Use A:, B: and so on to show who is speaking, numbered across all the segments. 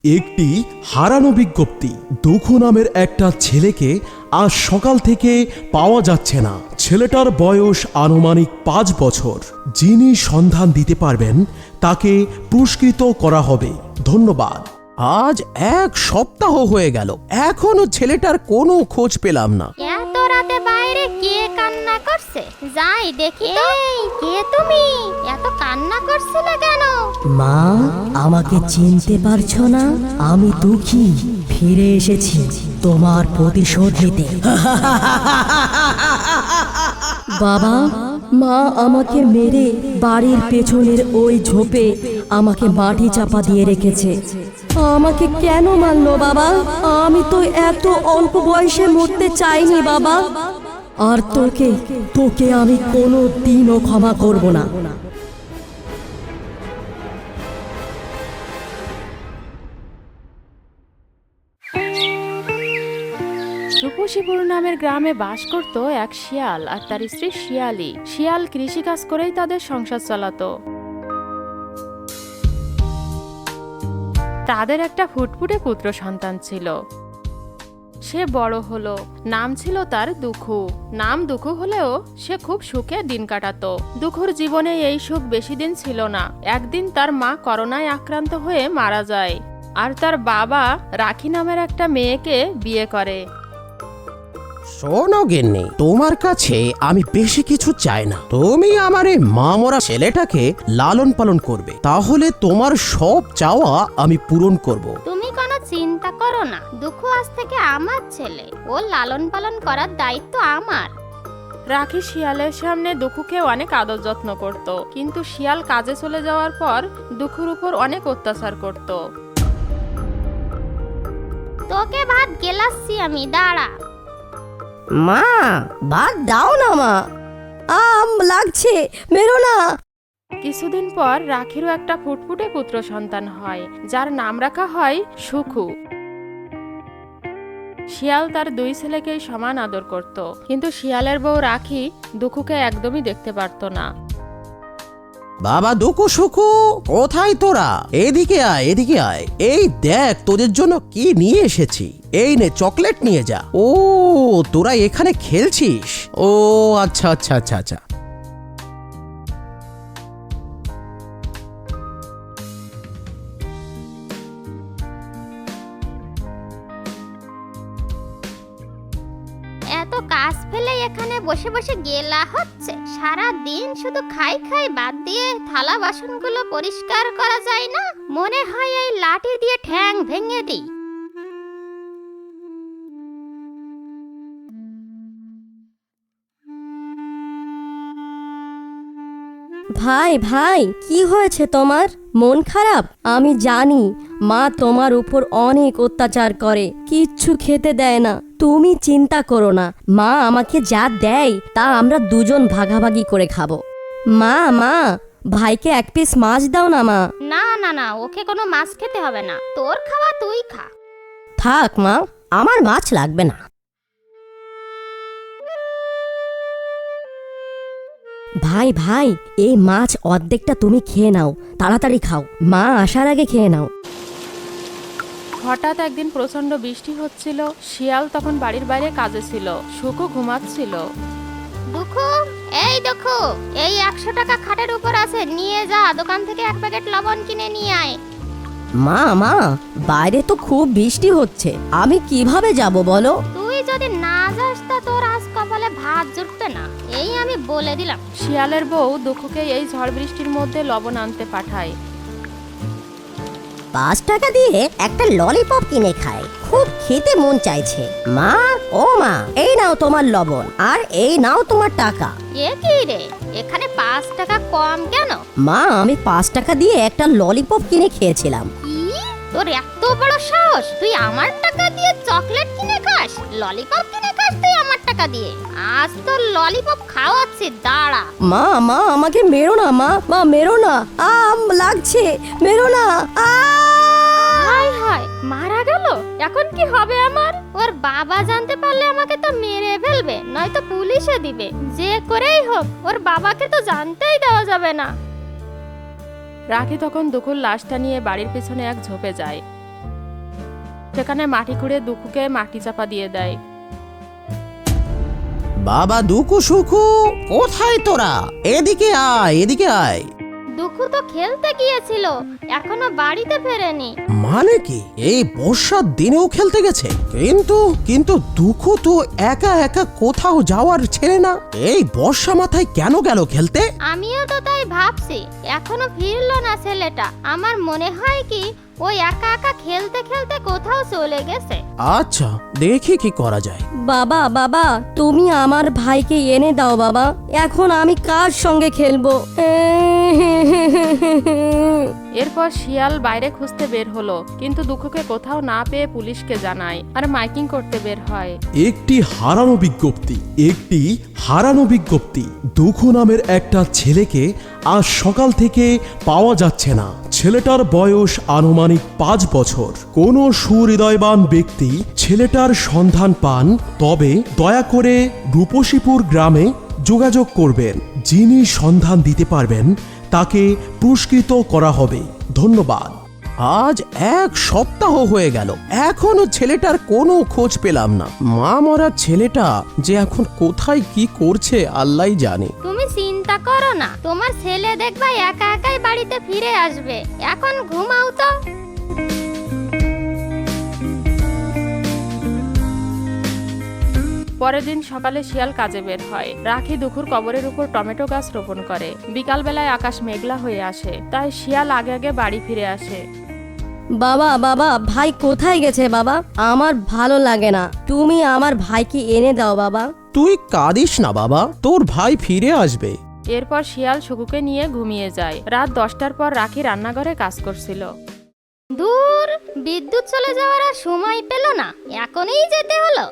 A: একটি হারানো বিজ্ঞপ্তি। দুঃখু নামের একটা ছেলেকে আজ সকাল থেকে পাওয়া যাচ্ছে না। ছেলেটার বয়স আনুমানিক 5 বছর। যিনি সন্ধান দিতে পারবেন তাকে পুরস্কৃত করা হবে। ধন্যবাদ।
B: আজ 1 সপ্তাহ হয়ে গেল, এখনো ছেলেটার কোনো খোঁজ পেলাম না।
C: এত রাতে বাইরে কে কান্না করছে? যাই দেখি তো। এই কে তুমি? এত কান্না করছিলে কেন?
D: মা, আমাকে চিনতে পারছো না? আমি দুঃখী, ফিরে এসেছি তোমার প্রতিশোধ নিতে। বাবা, মা আমাকে মেরে বাড়ির পেছনের ওই ঝোপে আমাকে মাটি চাপা দিয়ে রেখেছে। আমাকে কেন মারলো বাবা? আমি তো এত অল্প বয়সে মরতে চাইনি বাবা। আর তোকে আমি কোনো দিনও ক্ষমা করব না।
E: রূপসীপুর নামের গ্রামে বাস করত এক শিয়াল আর তার স্ত্রী শিয়ালি। শিয়াল কৃষিকাজ করেই তাদের সংসার চালাতো। তাদের একটা ফুটফুটে পুত্র সন্তান ছিল। সে বড় হলো, নাম ছিল তার দুঃখু। নাম দুঃখু হলেও সে খুব সুখে দিন কাটাতো। দুঃখুর জীবনে এই সুখ বেশি দিন ছিল না। একদিন তার মা করোনায় আক্রান্ত হয়ে মারা যায়, আর তার বাবা রাখি নামের একটা মেয়েকে বিয়ে করে।
B: শোনো গিন্নি, তোমার কাছে আমি বেশি কিছু চাই না। তুমি আমার এই মামরা ছেলেটাকে লালন পালন করবে, তাহলে তোমার সব চাওয়া আমি পূরণ করব।
C: তুমি কোনো চিন্তা করো না, দুঃখু আজ থেকে আমার ছেলে। ও লালন পালন করার দায়িত্ব আমার।
E: রাখি শিয়ালের সামনে দুঃখুকে অনেক আদর যত্ন করত, কিন্তু শিয়াল কাজে চলে যাওয়ার পর দুঃখুর উপর অনেক অত্যাচার করত।
C: তোকে ভাত গেলাচ্ছি আমি, দাঁড়া।
D: মা, ভাত দাও না মা, লাগছে, মেরো না।
E: কিছুদিন পর রাখিরও একটা ফুটফুটে পুত্র সন্তান হয়, যার নাম রাখা হয় সুখু। শিয়াল তার 2 ছেলেকেই সমান আদর করত, কিন্তু শিয়ালের বউ রাখি দুঃখুকে একদমই দেখতে পারত না।
B: বাবা দুঃখু সুখু, কোথায় তোরা? এদিকে আয়, এদিকে আয়। এই দেখ তোদের জন্য কি নিয়ে এসেছি। এই নে, চকলেট নিয়ে যা। ও, তোরা এখানে খেলছিস? ও আচ্ছা আচ্ছা আচ্ছা আচ্ছা।
C: এত কাজ ফেলে এখানে বসে বসে গেলা হচ্ছে। সারা দিন শুধু খাই খাই বাদ দিয়ে থালা বাসনগুলো পরিষ্কার করা যায় না? মনে হয় এই লাঠি দিয়ে ঠ্যাং ভেঙে দিই।
D: ভাই ভাই, কি হয়েছে তোমার? মন খারাপ? আমি জানি মা তোমার উপর অনেক অত্যাচার করে, কিচ্ছু খেতে দেয় না। তুমি চিন্তা করো না, মা আমাকে যা দেয় তা আমরা দুজন ভাগাভাগি করে খাবো। মা, ভাইকে 1 পিস মাছ দাও না মা।
C: না না না, ওকে কোনো মাছ খেতে হবে না। তোর খাওয়া তুই খা।
D: থাক মা, আমার মাছ লাগবে না। ভাই, এই মাছ অর্ধেকটা তুমি খেয়ে নাও, তাড়াতাড়ি খাও, মা আসার আগে খেয়ে নাও।
E: হঠাৎ একদিন প্রচন্ড বৃষ্টি হচ্ছিল। শিয়াল তখন বাড়ির বাইরে কাজে ছিল, সুখু ঘুমাচ্ছিল।
C: দুঃখু, এই দুঃখু, এই 100 টাকা খাটের উপর আছে, নিয়ে যা। দোকান থেকে 1 প্যাকেট লবণ কিনে নিয়ে আয়।
D: মা, বাইরে তো খুব বৃষ্টি হচ্ছে, আমি কিভাবে যাব বলো?
C: তুই যদি না যাস তা তোর আজ কপালে ভাত জুটবে না, এই আমি বলে দিলাম।
E: শিয়ালের বউ দুঃখুকে এই ঝড় বৃষ্টির মধ্যে লবণ আনতে পাঠায়।
D: 5 টাকা দিয়ে একটা ললিপপ কিনে খাই, খুব খেতে মন চাইছে। মা, ও মা, এই নাও তোমার লবণ, আর এই নাও তোমার টাকা।
C: এ কি রে, এখানে 5 টাকা কম কেন?
D: মা, আমি 5 টাকা দিয়ে একটা ললিপপ কিনে খেয়েছিলাম।
C: কি, তোর এত বড় সাহস? তুই আমার টাকা দিয়ে চকলেট কিনে খাস, ললিপপ কিনে খাস তুই আমার টাকা দিয়ে? আজ তোর ললিপপ খাওয়াচ্ছি, দাঁড়া।
D: মা, আমাকে মেরো না মা, মেরো না, লাগছে, মেরো না।
C: হায় হায়, মারা গেল। এখন কি হবে আমার? ওর বাবা জানতে পারলে আমাকে তো মেরে ফেলবে, নয়তো পুলিশে দিবে। যে করেই হোক ওর বাবাকে তো জানতেই দেওয়া যাবে না।
E: রাখি তখন দুঃখুর লাশটা নিয়ে বাড়ির পেছনে এক ঝোপে যায়। সেখানে মাটি খুঁড়ে দুঃখুকে মাটি চাপা দিয়ে দেয়।
B: বাবা দুঃখু সুখু, কোথায় তোরা? এদিকে আয়, এদিকে আয়।
C: দুঃখু তো খেলতে গিয়েছিল, এখনো বাড়িতে ফেরেনি।
B: মানে কি, এই বর্ষার দিনেও খেলতে গেছে? কিন্তু কিন্তু দুঃখু তো একা একা কোথাও যাওয়ার ছেলে না। এই বর্ষা মাথায় কেন গেল খেলতে?
C: আমিও তো তাই ভাবছি, এখনো ফিরলো না ছেলেটা। আমার মনে হয় কি ওই একা একা খেলতে খেলতে কোথাও চলে গেছে।
B: আচ্ছা, দেখি কি করা যায়।
D: বাবা বাবা, তুমি আমার ভাইকে এনে দাও বাবা, এখন আমি কার সঙ্গে খেলবো?
E: এরপর শিয়াল বাইরে খুঁজতে বের হলো, কিন্তু দুঃখুকে কোথাও না পেয়ে পুলিশকে জানায় আর মাইকিং করতে বের হয়।
A: একটি হারানো বিজ্ঞপ্তি, একটি হারানো বিজ্ঞপ্তি। দুঃখু নামের একটা ছেলেকে আজ সকাল থেকে পাওয়া যাচ্ছে না। ছেলেটার বয়স আনুমানিক 5 বছর। কোনো সুহৃদয়বান ব্যক্তি ছেলেটার সন্ধান পান তবে দয়া করে রূপসীপুর গ্রামে যোগাযোগ করবেন। যিনি সন্ধান দিতে পারবেন তাকে পুরস্কৃত করা হবে। ধন্যবাদ।
B: আজ 1 সপ্তাহ হয়ে গেল, এখনো ছেলেটার কোনো খোঁজ পেলাম না। মা মরা ছেলেটা যে এখন কোথায় কি করছে আল্লাহই জানে।
C: তুমি চিন্তা করো না, তোমার ছেলে দেখবা একা একাই বাড়িতে ফিরে আসবে। এখন ঘুমাও তো।
E: পরের দিন সকালে শিয়াল কাজে বের হয়। রাখি দুঃখুর কবরের উপর টমেটো গাছ রোপণ করে। বিকালবেলায় আকাশ মেঘলা হয়ে আসে, তাই শিয়াল আগে আগে বাড়ি ফিরে আসে।
D: বাবা বাবা, ভাই কোথায় গেছে বাবা? আমার ভালো লাগে না, তুমি আমার ভাইকে এনে দাও বাবা।
B: তুই কাঁদিস না বাবা, তোর ভাই ফিরে আসবে।
E: এরপর শিয়াল সুকুকে নিয়ে ঘুমিয়ে যায়। রাত 10টার পর রাখি রান্নাঘরে কাজ করছিল।
C: দূর, বিদ্যুৎ চলে যাওয়ার আর সময় পেল না, এখনই যেতে হলো।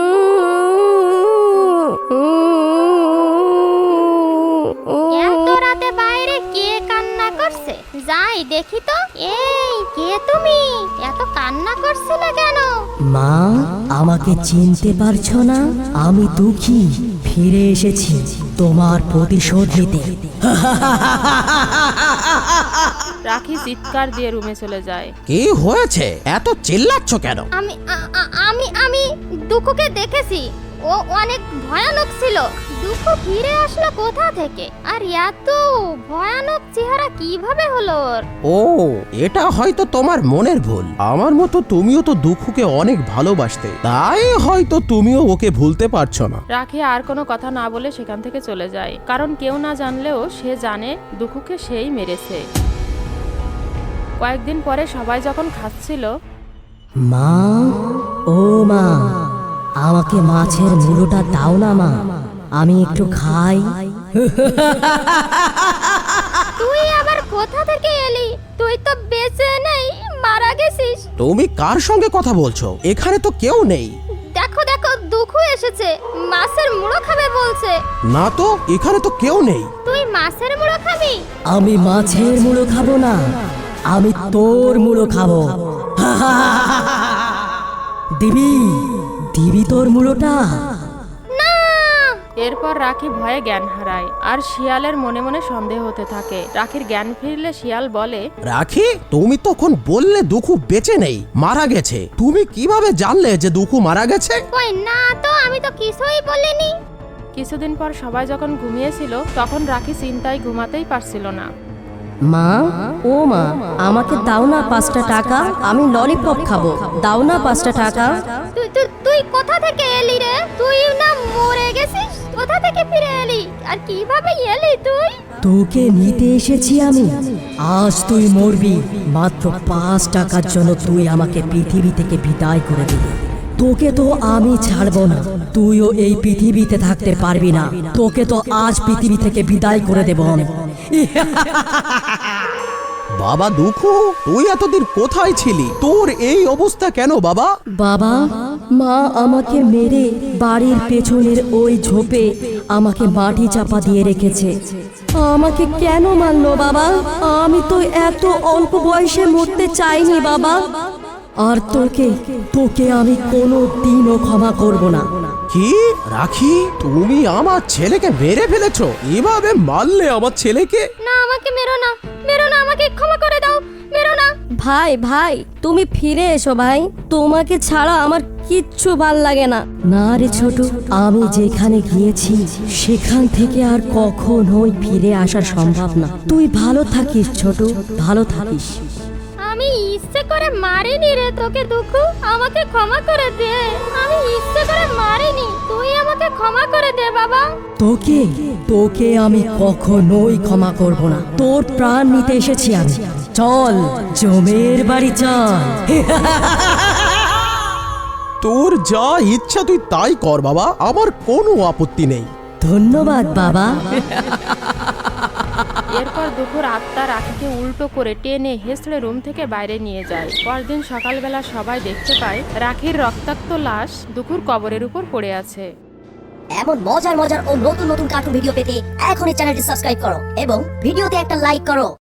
C: এত রাতে বাইরে কে কান্না করছে? যাই দেখি তো। এই কে তুমি? এত কান্না করছিলে কেন?
D: মা, আমাকে চিনতে পারছো না? আমি দুঃখী, ফিরে এসেছি তোমার প্রতিশোধ নিতে।
E: রাখি চিৎকার দিয়ে রুমে চলে যায়।
B: কি হয়েছে, এত চিল্লাচ্ছ কেন?
C: আমি আমি আমি দুঃখকে দেখেছি, ও অনেক ভয়ানক ছিল। দুঃখ ফিরে আসলো কোথা থেকে? আর এত ভয়ানক চেহারা কিভাবে হলো ওর?
B: ও, এটা হয়তো তোমার মনের ভুল। আমার মতো তুমিও তো দুঃখকে অনেক ভালোবাসতে, তাই হয়তো তুমিও ওকে ভুলতে পারছো না।
E: রাখি আর কোনো কথা না বলে সেখান থেকে চলে যায়, কারণ কেউ না জানলেও সে জানে দুঃখুকে সেই মেরেছে। কয়েকদিন পরে সবাই যখন খাচ্ছিল,
D: মা, ও মা, আমাকে মাছের মুড়োটা দাও না মা, আমি একটু খাই।
C: তুই আবার কোথা থেকে এলি? তুই তো বেঁচে নেই, মারা গেছিস।
B: তুমি কার সঙ্গে কথা বলছো? এখানে তো কেউ নেই।
C: দেখো দেখো, দুঃখু এসেছে, মাছের মুড়ো খাবে বলছে।
B: না তো, এখানে তো কেউ নেই।
C: তুই মাছের মুড়ো খাবি?
D: আমি মাছের মুড়ো খাবো না, আমি তোর মুড়ো খাবো। দিবি দিবি তোর মুড়োটা?
C: না।
E: এরপর রাখি ভয়ে জ্ঞান হারায় আর শিয়ালের মনে মনে সন্দেহ হতে থাকে। রাখির জ্ঞান ফিরলে শিয়াল বলে,
B: রাখি, তুমি তখন বললে দুঃখু বেঁচে নেই, মারা গেছে। তুমি কিভাবে জানলে যে দুঃখু মারা গেছে?
C: কই না তো, আমি তো কিছুই বলিনি।
E: কিছুদিন পর সবাই যখন ঘুমিয়েছিল তখন রাখি চিন্তায় ঘুমাতেই পারছিল না।
D: মা, ও মা, আমাকে দাও না 5টা টাকা, আমি ললিপপ খাবো, দাও না 5টা টাকা।
C: তুই তুই তুই কোথা থেকে এলি রে? তুই না মরে গেছিস, কোথা থেকে ফিরে এলি? আর কিভাবে এলি তুই?
D: তোকে নিতে এসেছি আমি, আজ তুই মরবি। মাত্র 5 টাকার জন্য তুই আমাকে পৃথিবী থেকে বিদায় করে দিবি। তোকে তো আমি ছাড়বো না, তুইও এই পৃথিবীতে থাকতে পারবি না। তোকে তো আজ পৃথিবী থেকে বিদায় করে দেব আমি।
B: বাবা দুঃখু, তুই এতদিন কোথায় ছিলি? তোর এই অবস্থা কেন বাবা?
D: বাবা, মা আমাকে মেরে বাড়ির পেছনের ওই ঝোপে আমাকে মাটি চাপা দিয়ে রেখেছে। আমাকে কেন মারলো বাবা? আমি তো এত অল্প বয়সে মরতে চাইনি বাবা। আর তোকে আমি কোনো দিনও ক্ষমা করব না।
B: কি রাখি, তুমি আমার ছেলেকে মেরে ফেলেছো? এভাবে মারলে আমার ছেলেকে?
C: না, আমাকে মেরো না, মেরো না, আমাকে ক্ষমা করে দাও, মেরো না।
D: ভাই ভাই তুমি ফিরে এসো ভাই, তোমাকে ছাড়া আমার কিচ্ছু ভাল লাগে না। না রে ছোট, আমি যেখানে গিয়েছি সেখান থেকে আর কখনোই ফিরে আসা সম্ভব না। তুই ভালো থাকিস ছোট, ভালো থাকিস।
C: আমি ইচ্ছে করে মারিনি রে তোকে দুঃখু, আমাকে ক্ষমা করে দে। আমি ইচ্ছে করে মারিনি, তুই আমাকে ক্ষমা করে দে বাবা।
D: তোকে তোকে আমি কখনোই ক্ষমা করব না। তোর প্রাণ নিতে এসেছি আমি। চল জমের বাড়ি চল।
A: তোর যা ইচ্ছা তুই তাই কর বাবা, আমার কোনো আপত্তি নেই।
D: ধন্যবাদ বাবা।
E: এরপর দুপুর আত্মা রাখিকে উল্টো করে টেনে হেসড়ে রুম থেকে বাইরে নিয়ে যায়। পরদিন সকালবেলা সবাই দেখতে পায় রাখির রক্তাক্ত লাশ দুপুর কবরের উপর পড়ে আছে।
F: এমন মজার মজার ও নতুন নতুন কার্টুন ভিডিও পেতে এখনই চ্যানেলটি সাবস্ক্রাইব করো এবং ভিডিওতে একটা লাইক করো।